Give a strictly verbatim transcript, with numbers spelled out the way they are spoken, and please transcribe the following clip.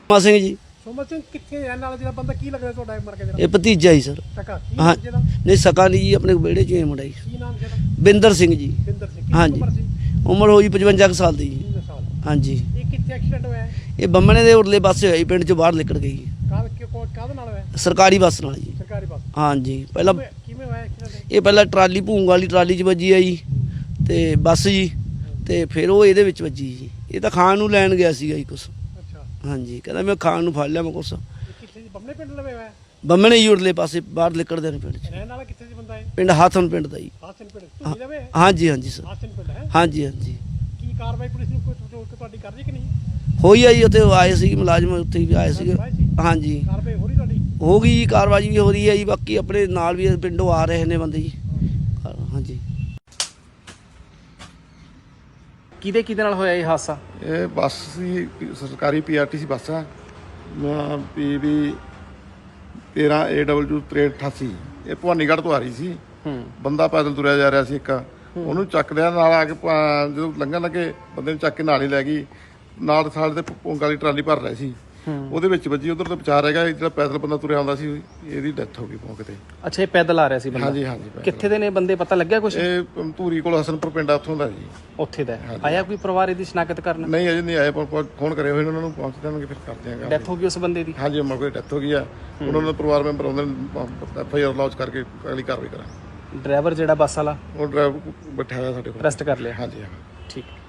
ਸੋਮਾ ਸਿੰਘ ਜੀ। ਸੋਮਾ ਸਿੰਘ ਕਿੱਥੇ ਰਹਿਣ ਵਾਲਾ ਜਿਹੜਾ ਬੰਦਾ ਕੀ ਲੱਗਦਾ ਤੁਹਾਡਾ ਮਰ ਕੇ ਜਿਹੜਾ? ਇਹ ਭਤੀਜਾ ਜੀ ਸਰ। ਸਕਾ ਕੀ ਹਾਂ ਨਾਮ ਜਿਹਦਾ? ਨਹੀਂ ਸਕਾ ਨਹੀਂ ਜੀ, ਆਪਣੇ ਵਿਹੜੇ 'ਚ ਹੀ ਮੁੰਡਾ ਜੀ। ਕੀ ਨਾਮ ਜਿਹਦਾ? ਬਿੰਦਰ ਸਿੰਘ ਜੀ। ਬਿੰਦਰ ਸਿੰਘ। ਹਾਂਜੀ। ਕਿੰਨੀ ਉਮਰ ਸੀ? ਉਮਰ ਹੋਈ ਪਚਵੰਜਾ ਕੁ ਸਾਲ ਦੀ ਜੀ। ਤਿੰਨ ਸਾਲ। ਹਾਂਜੀ। ਇਹ ਕਿੱਥੇ ਐਕਸੀਡੈਂਟ ਹੋਇਆ ਹੈ? ਇਹ ਬੰਮਣੇ ਦੇ ਉਰਲੇ ਪਾਸੇ ਹੋਈ, ਪਿੰਡ 'ਚੋਂ ਬਾਹਰ ਨਿਕਲ ਗਈ ਕਾਹ ਕਿਉਂ ਕਾਹਦੇ ਨਾਲ ਹੋਇਆ? ਸਰਕਾਰੀ ਬੱਸ ਨਾਲ ਜੀ। ਸਰਕਾਰੀ ਬੱਸ। ਹਾਂਜੀ। ਪਹਿਲਾਂ ਕਿਵੇਂ ਕਿਵੇਂ ਹੋਇਆ ਐਕਸੀਡੈਂਟ? ਇਹ ਪਹਿਲਾਂ ਟਰਾਲੀ ਭੂੰਗ ਵਾਲੀ ਟਰਾਲੀ 'ਚ ਵੱਜੀ ਆ ਜੀ, ਤੇ ਬੱਸ ਜੀ, ਤੇ ਫਿਰ ਉਹ ਇਹਦੇ ਵਿੱਚ ਵੱਜੀ ਜੀ। ਇਹ ਤਾਂ ਖਾਣ ਨੂੰ ਲੈਣ ਗਿਆ ਸੀਗਾ ਜੀ ਕੁਛ। ਅੱਛਾ। ਹਾਂਜੀ, ਕਹਿੰਦਾ ਮੈਂ ਖਾਣ ਨੂੰ ਫੜ ਲਿਆ ਮੈਂ ਕੁਛ। ਇਹ ਕਿੱਥੇ ਜੀ? ਬੰਮੇ ਪਿੰਡ ਲਵੇ ਹੋਇਆ? ਬੰਮਣੇ ਜੀ ਉਰਲੇ ਪਾਸੇ ਬਾਹਰ ਨਿਕਲਦੇ ਨੇ ਪਿੰਡ 'ਚ। ਰਹਿਣ ਵਾਲਾ ਕਿੱਥੇ ਦੀ ਬੰਦਾ ਹੈ? ਪਿੰਡ ਹਾਥਨ ਪਿੰਡ ਦਾ ਜੀ। ਹਾਸਨ ਪਿੰਡ। ਤੁਸੀਂ ਲਵੇ? ਹਾਂਜੀ ਹਾਂਜੀ ਸਰ। ਹਾਸਨ ਪਿੰਡ ਹੈ। ਹਾਂਜੀ ਹਾਂਜੀ। ਕੀ ਕਾਰਵਾਈ ਪੁਲਿਸ ਨੂੰ ਕੋਈ ਤੁਹਾਡੀ ਕਰ ਰਹੀ ਕਿ ਨਹੀਂ? ਹੋਈ ਆ ਜੀ, ਉੱਥੇ ਆਏ ਸੀ ਮੁਲਾਜ਼ਮ, ਉੱਥੇ ਵੀ ਆਏ ਸੀਗੇ। ਹਾਂਜੀ, ਕਾਰਵਾਈ ਹੋ ਰਹੀ ਤੁਹਾਡੀ? ਹੋ ਗਈ ਜੀ, ਕਾਰਵਾਈ ਵੀ ਹੋ ਰਹੀ ਹੈ ਜੀ। ਬਾਕੀ ਆਪਣੇ ਨਾਲ ਵੀ ਪਿੰਡੋਂ ਆ ਰਹੇ ਨੇ ਬੰਦੇ ਜੀ। ਹਾਂਜੀ। ਕਿਹਦੇ ਕਿਹਦੇ ਨਾਲ ਹੋਇਆ ਇਹ ਹਾਦਸਾ? ਇਹ ਬੱਸ ਸੀ, ਸਰਕਾਰੀ ਪੀਆਰਟੀਸੀ ਬੱਸ ਆ, ਪੀ ਵੀ ਤੇਰਾਂ ਏ ਡਬਲਯੂ ਤਰੇਹਠ ਅਠਾਸੀ। ਇਹ ਭਵਾਨੀਗੜ੍ਹ ਤੋਂ ਆ ਰਹੀ ਸੀ। ਬੰਦਾ ਪੈਦਲ ਤੁਰਿਆ ਜਾ ਰਿਹਾ ਸੀ ਇੱਕ, ਉਹਨੂੰ ਚੱਕ ਲਿਆ ਨਾਲ ਆ ਕੇ। ਜਦੋਂ ਲੰਘਣ ਲੱਗੇ ਬੰਦੇ ਨੂੰ ਚੱਕ ਕੇ ਨਾਲ ਹੀ ਲੈ ਗਈ। ਨਾਲ ਸਾਲ ਦੇ ਪੌਂਗ ਵਾਲੀ ਟਰਾਲੀ ਭਰ ਰਹੀ ਸੀ, ਉਹਦੇ ਵਿੱਚ ਵੱਜੀ। ਉਧਰ ਤੋਂ ਬਚਾ ਰਹਿ ਗਿਆ। ਜਿਹੜਾ ਪੈਦਲ ਬੰਦਾ ਤੁਰਿਆ ਆਉਂਦਾ ਸੀ, ਇਹਦੀ ਡੈਥ ਹੋ ਗਈ ਮੌਕੇ ਤੇ। ਅੱਛਾ, ਇਹ ਪੈਦਲ ਆ ਰਿਹਾ ਸੀ ਬੰਦਾ? ਹਾਂਜੀ ਹਾਂਜੀ। ਕਿੱਥੇ ਦੇ ਨੇ ਬੰਦੇ, ਪਤਾ ਲੱਗਿਆ ਕੁਝ? ਇਹ ਧੂਰੀ ਕੋਲ ਹਸਨਪੁਰ ਪਿੰਡ ਆ, ਉੱਥੋਂ ਦਾ ਜੀ। ਉੱਥੇ ਦਾ ਆਇਆ ਕੋਈ ਪਰਿਵਾਰ ਇਹਦੀ ਸ਼ਨਾਖਤ ਕਰਨ? ਨਹੀਂ ਅਜੇ ਨਹੀਂ ਆਏ, ਫੋਨ ਕਰੇ ਹੋਏ ਉਹਨਾਂ ਨੂੰ, ਪਹੁੰਚ ਜਾਣਗੇ ਫਿਰ ਕਰਦੇ ਆਂਗੇ। ਡੈਥ ਹੋ ਗਈ ਉਸ ਬੰਦੇ ਦੀ? ਹਾਂਜੀ, ਮੌਕੇ ਡੈਥ ਹੋ ਗਈ ਆ। ਉਹਨਾਂ ਦੇ ਪਰਿਵਾਰ ਮੈਂਬਰ ਆਉਂਦੇ ਨੇ, ਐਫ ਆਈ ਆਰ ਲੌਂਚ ਕਰਕੇ ਅਗਲੀ ਕਾਰਵਾਈ ਕਰਾਂਗੇ। ਡਰਾਈਵਰ ਜਿਹੜਾ ਬੱਸ ਵਾਲਾ ਉਹ ਡਰਾਈਵਰ ਬੈਠਾ ਹੋਇਆ ਸਾਡੇ ਕੋਲ, ਅਰੈਸਟ ਕਰ ਲਿਆ? ਹਾਂਜੀ ਹਾਂ। ਠੀਕ।